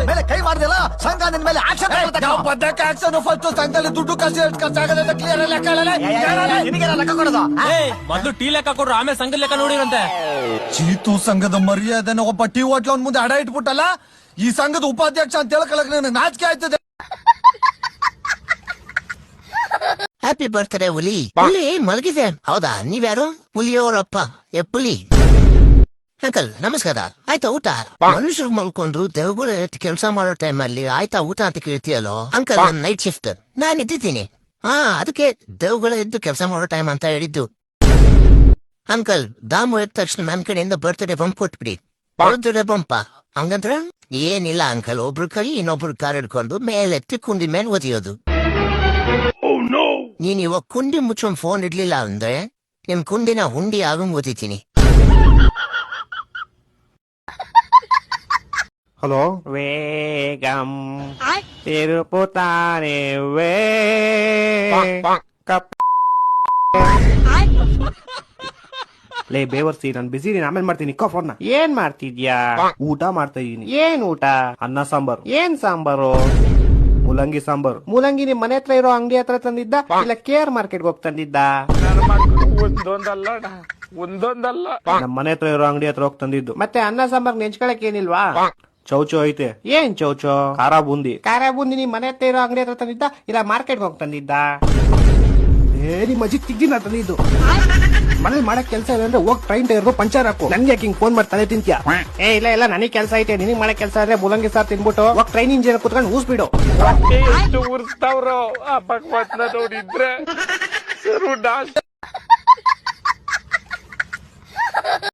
ಮೇಲೆ ಕೈ ಮಾಡಿದೆಲ್ಲ ಸಂಘ ನಿನ್ ಮೇಲೆ ಆಕ್ಷನ್ ಬದ್ದಕ್ಕೆ ಆಕ್ಷನ್ ಫಸ್ಟ್ ಸಂಘದಲ್ಲಿ ದುಡ್ಡು ಖರ್ಚು ಎಷ್ಟು ಖರ್ಚಾಗದೆ ಕ್ಲಿಯರ್ ನಿನಗೆ ಲೆಕ್ಕ ಕೊಡೋದು ಮೊದ್ಲು ಟೀ ಲೆಕ್ಕ ಕೊಡ್ರು ಆಮೇಲೆ ಸಂಘದ ಲೆಕ್ಕ ನೋಡಿರಂತೆ. ಚೀತು ಸಂಘದ ಮರ್ಯಾದೆನ ಒಬ್ಬ ಟೀ ಹೋಟ್ಲ ಅವ್ನ ಮುಂದೆ ಅಡ ಇಟ್ಬಿಟ್ಟಲ್ಲ, ಈ ಸಂಘದ ಉಪಾಧ್ಯಕ್ಷ ಅಂತ ಹೇಳ್ಕೊಳಕ್ ನನಗೆ ನಾಚಿಕೆ ಆಯ್ತದೆ. ಹ್ಯಾಪಿ ಬರ್ತ್ಡೇ ಹುಲಿ. ಹುಲಿ ಮಲಗಿದೆ. ಹೌದಾ, ನೀವ್ಯಾರು? ಹುಲಿಯವರಪ್ಪ ಪುಲಿ. ಅಂಕಲ್ ನಮಸ್ಕಾರ. ಆಯ್ತಾ ಊಟ? ಮನುಷ್ಯರು ಮಲ್ಕೊಂಡ್ರು ದೇವಗಳು ಕೆಲಸ ಮಾಡೋ ಟೈಮ್ ಅಲ್ಲಿ ಆಯ್ತಾ ಊಟ ಅಂತ ಕೇಳ್ತೀಯಲ್ಲೋ ಅಂಕಲ್. ನೈಟ್ ಶಿಫ್ಟ್ ನಾನ್ ಇದ್ದಿದ್ದೀನಿ. ಅದಕ್ಕೆ ದೇವಗಳ ಎದ್ದು ಕೆಲಸ ಮಾಡೋ ಟೈಮ್ ಅಂತ ಹೇಳಿದ್ದು. ಅಂಕಲ್ ದಾಮು ಎದ್ದ ತಕ್ಷಣ ನನ್ನ ಕಡೆಯಿಂದ ಬರ್ತ್ಡೇ ಬಂಪ್ ಕೊಟ್ಬಿಡಿ. ಬರ್ತ್ಡೇ ಬಂಪ ಹಂಗಂದ್ರ ಏನಿಲ್ಲ ಅಂಕಲ್, ಒಬ್ರು ಕೈ ಇನ್ನೊಬ್ರು ಕಾರ್ ಹಿಡ್ಕೊಂಡು ಮೇಲೆತ್ತಿ ಕುಂಡಿ ಮೇಲೆ ಒದಿಯೋದು. ನೀನ್ ಇವಾಗ ಕುಂಡಿ ಮುಚ್ಚೊಂಡ್ ಫೋನ್ ಇಡ್ಲಿಲ್ಲ ಅಂದ್ರೆ ನಿಮ್ ಕುಂಡಿನ ಹುಂಡಿ ಆಗಂಗ್ ಓದಿತೀನಿ. ಹಲೋ, ವೇಗಂ ತಿರುಪುತ್ತಾನೆ ವೇ ಲೇ ಬೇವರ್ಸಿ, ನಾನ್ ಬಿಸಿ ಇದೀನಿ, ಆಮೇಲೆ ಮಾಡ್ತೀನಿ. ಫೋನ್ ಏನ್ ಮಾಡ್ತಿದ್ಯಾ? ಊಟ ಮಾಡ್ತಾ ಇದೀನಿ. ಏನ್ ಊಟ? ಅನ್ನ ಸಾಂಬಾರು. ಏನ್ ಸಾಂಬಾರು? ಮೂಲಂಗಿ ಸಾಂಬಾರು. ಮೂಲಂಗಿ ನಿಮ್ ಮನೆ ಹತ್ರ ಇರೋ ಅಂಗಡಿ ಹತ್ರ ತಂದಿದ್ದ ಇಲ್ಲ ಕೇರ್ ಮಾರ್ಕೆಟ್ಗೆ ಹೋಗಿ ತಂದಿದ್ದ? ಒಂದೊಂದಲ್ಲ ನಮ್ ಮನೆ ಹತ್ರ ಇರೋ ಅಂಗಡಿ ಹತ್ರ ಹೋಗಿ ತಂದಿದ್ದು. ಮತ್ತೆ ಅನ್ನ ಸಾಂಬಾರ್ ನೆಂಚ್ಕೊಳಕ್ ಏನಿಲ್ವಾ? ಚೌಚೋ ಐತೆ. ಏನ್ ಚೌಚೋ? ಖಾರ ಬೂಂದಿ. ಖಾರ ಬೂಂದಿ ನಿಮ್ ಮನೆ ಹತ್ರ ಇರೋ ಅಂಗಡಿ ಹತ್ರ ತಂದಿದ್ದ ಇಲ್ಲ ಮಾರ್ಕೆಟ್ಗೆ ಹೋಗಿ ತಂದಿದ್ದ? ನಿಮ್ ಅಜ್ಜಿ ತಿಗ್ದಿನ ತಂದಿದ್ದು. ಮನೇಲಿ ಮಾಡಕ್ ಕೆಲಸ ಇಲ್ಲ ಅಂದ್ರೆ ಹೋಗಿ ಟ್ರೈನ್ ಟೈರ್ ಪಂಚರ್ ಹಾಕು. ನನ್ಗೆ ಯಾಕೆ ಹಿಂಗ್ ಫೋನ್ ಮಾಡಿ ತಲೆ ತಿಂತ್ಯಾ? ಇಲ್ಲ ನನಗ್ ಕೆಲಸ ಐತೆ, ನಿನಗ್ ಮಾಡಕ್ ಕೆಲಸ ಆದ್ರೆ ಮೂಲಂಗಿ ಸಾರ್ ತಿನ್ಬಿಟ್ಟು ಹೋಗಿ ಟ್ರೈನ್ ಇಂಜಿನ್ ಕುತ್ಕೊಂಡು ಊಸ್ಬಿಡು. ಊರ್ಸ್ತಾವ್ರು ಆ ಭಗವತ್ನ ನೋಡಿದ್ರೆ